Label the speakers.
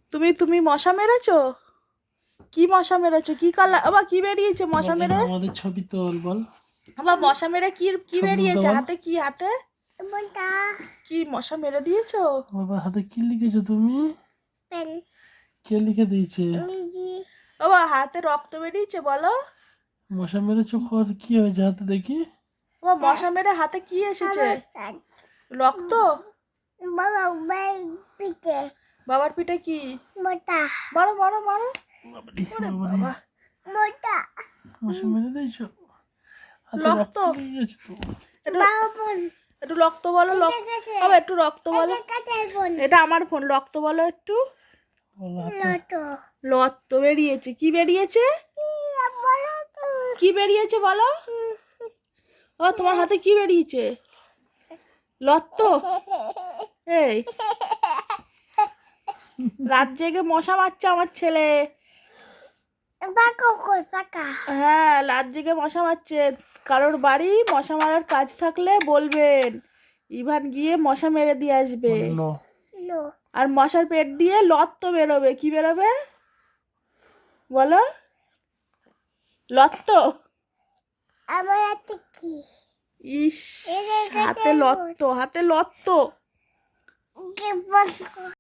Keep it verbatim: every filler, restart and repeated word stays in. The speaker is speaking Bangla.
Speaker 1: তুমি তুমি মশা মেরেছো? কি মশা মেরেছো? কি কালার? আবার কি বেরিয়েছে মশা মেরে?
Speaker 2: আমাদের ছবি তোল বল।
Speaker 1: আবার মশা মেরে কি কি
Speaker 2: ছবি
Speaker 1: বেরিয়েছে?
Speaker 2: তোল।
Speaker 1: হাতে কি? হাতে কি মশা মেরে দিয়েছো?
Speaker 2: বাবা হাতে কি লিখেছো তুমি?
Speaker 3: পেন।
Speaker 2: কে লিখে দিয়েছে?
Speaker 1: বাবা হাতে রক্ত বেরিয়েছে বলো।
Speaker 2: মশা মেরেছো? কত- কি হয়েছে হাতে দেখি?
Speaker 1: বাবা মশা মেরে হাতে কি এসেছে? রক্ত?
Speaker 3: বাবা ভাই পিঠে
Speaker 1: বাবার পিঠে কি?
Speaker 3: মোটা
Speaker 1: মারো মারো মারো।
Speaker 2: বাবারে,
Speaker 1: ওরে
Speaker 2: বাবারে,
Speaker 1: বাবা,
Speaker 3: মোটা
Speaker 2: মশা মেরে দিয়েছো? হাতে
Speaker 1: রক্ত।
Speaker 2: রক্ত লেগে গেছে তো।
Speaker 1: একটু
Speaker 3: বাবা বোন
Speaker 1: একটু রক্ত বলো। রক্ত বাবা একটু রক্ত বলো।
Speaker 3: কাটাই বোন
Speaker 1: এটা আমার ফোন, রক্ত বলো একটু।
Speaker 2: বলো হাতে।
Speaker 3: লটো
Speaker 1: রক্ত বেরিয়েছে। কি বেরিয়েছে?
Speaker 3: বলো তো
Speaker 1: কি বেরিয়েছে বলো। ও তোমার হাতে কি বেরিয়েছে? লত্ত? এই রাত জেগে মশা মারছে আমার ছেলে।
Speaker 3: পাকা কই পাকা
Speaker 1: হ্যাঁ রাত জেগে মশা মারছে। কারোর বাড়ি মশা মারার কাজ থাকলে বলবেন, ইভান গিয়ে মশা মেরে দিয়ে আসবে।
Speaker 2: অন্য
Speaker 3: লো
Speaker 1: আর মশার পেট দিয়ে লত্ত বেরোবে। কি বেরোবে বলো? লত্ত।
Speaker 3: আমার হাতে কি
Speaker 1: ইস,
Speaker 3: এই যে
Speaker 1: হাতে লত্ত, হাতে লত্ত।
Speaker 3: কে বল